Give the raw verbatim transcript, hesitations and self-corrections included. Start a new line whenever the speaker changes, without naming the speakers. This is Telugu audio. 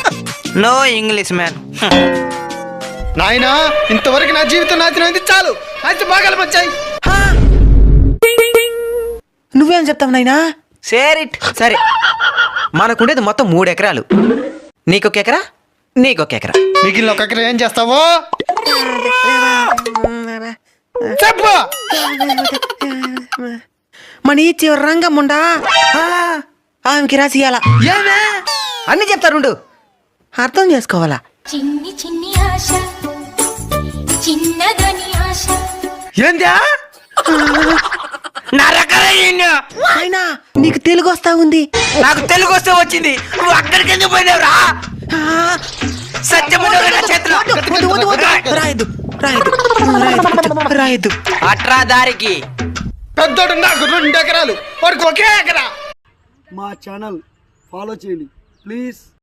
No English man.
నాయనా ఇంతవరకు నా జీవితం నాశనమైంది, చాలు. అయితే బాగా వచ్చాయి.
నువ్వేం చెప్తావు నాయనా?
సేరిట్ సరే, మనకుండేది మొత్తం మూడు ఎకరాలు. నీకొక ఎకరా, నీకొక ఎకరా.
మిగిలిన ఒక ఎకరం ఏం చేస్తావో చెప్పు.
మన ఈ చివరి రంగమ్ముండా ఆమెకి రాసియాల.
ఏమే అన్ని చెప్తారుండు,
అర్థం చేసుకోవాలా?
చిన్ని చిన్ని ఆశ, చిన్నదని ఆశ.
ఏందా
అయినా నీకు తెలుగు వస్తా ఉంది.
నాకు తెలుగు వస్తే వచ్చింది, నువ్వు అక్కడికి ఎందుకు పోయినావురా?
రాయద్దు రాయద్దు రాయద్దు రాయద్దు.
అట్రా దారికి.
పెద్దోడు నాకు రెండు ఎకరాలు, వాడికి ఒకే ఎకరా.
మా ఛానల్ ఫాలో చేయండి ప్లీజ్.